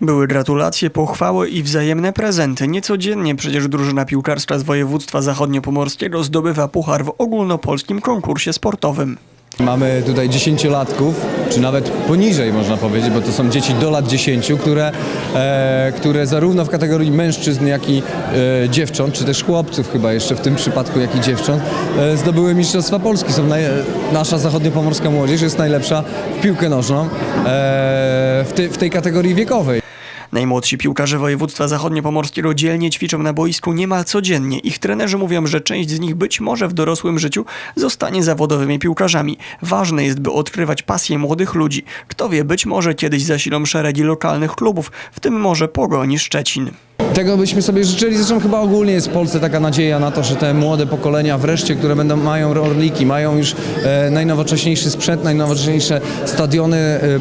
Były gratulacje, pochwały i wzajemne prezenty. Niecodziennie przecież drużyna piłkarska z województwa zachodniopomorskiego zdobywa puchar w ogólnopolskim konkursie sportowym. Mamy tutaj 10-latków, czy nawet poniżej można powiedzieć, bo to są dzieci do lat 10, które zarówno w kategorii mężczyzn, jak i dziewcząt, czy też chłopców chyba jeszcze w tym przypadku, jak i dziewcząt, zdobyły Mistrzostwa Polski. Nasza zachodniopomorska młodzież jest najlepsza w piłkę nożną w tej kategorii wiekowej. Najmłodsi piłkarze województwa zachodniopomorskiego dzielnie ćwiczą na boisku niemal codziennie. Ich trenerzy mówią, że część z nich być może w dorosłym życiu zostanie zawodowymi piłkarzami. Ważne jest, by odkrywać pasję młodych ludzi. Kto wie, być może kiedyś zasilą szeregi lokalnych klubów, w tym może Pogoni Szczecin. Tego byśmy sobie życzyli, zresztą chyba ogólnie jest w Polsce taka nadzieja na to, że te młode pokolenia wreszcie, które mają orliki, mają już najnowocześniejszy sprzęt, najnowocześniejsze stadiony,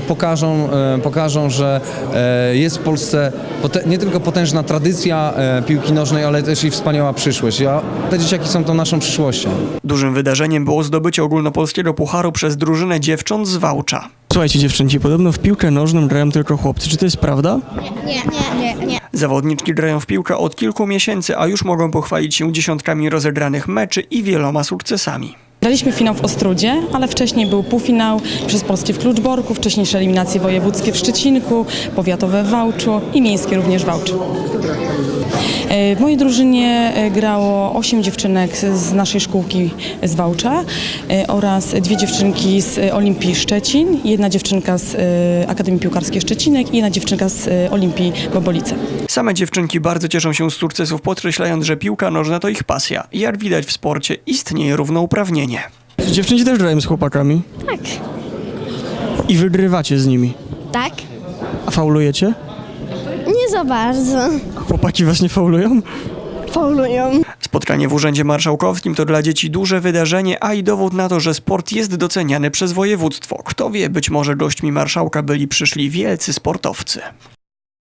pokażą, że jest w Polsce nie tylko potężna tradycja piłki nożnej, ale też i wspaniała przyszłość. A te dzieciaki są tą naszą przyszłością. Dużym wydarzeniem było zdobycie ogólnopolskiego pucharu przez drużynę dziewcząt z Wałcza. Słuchajcie dziewczęci, podobno w piłkę nożną grają tylko chłopcy. Czy to jest prawda? Nie. Zawodniczki grają w piłkę od kilku miesięcy, a już mogą pochwalić się dziesiątkami rozegranych meczy i wieloma sukcesami. Graliśmy finał w Ostrudzie, ale wcześniej był półfinał przez Polskie w Kluczborku, wcześniejsze eliminacje wojewódzkie w Szczecinku, powiatowe w Wałczu i miejskie również w Wałczu. W mojej drużynie grało 8 dziewczynek z naszej szkółki z Wałcza oraz 2 dziewczynki z Olimpii Szczecin, 1 dziewczynka z Akademii Piłkarskiej Szczecinek i 1 dziewczynka z Olimpii Bobolice. Same dziewczynki bardzo cieszą się z sukcesów, podkreślając, że piłka nożna to ich pasja. Jak widać w sporcie, istnieje równouprawnienie. Dziewczynki też grają z chłopakami? Tak. I wygrywacie z nimi? Tak? A faulujecie? Nie za bardzo. Chłopaki was nie faulują? Faulują. Spotkanie w Urzędzie Marszałkowskim to dla dzieci duże wydarzenie, a i dowód na to, że sport jest doceniany przez województwo. Kto wie, być może gośćmi marszałka byli przyszli wielcy sportowcy.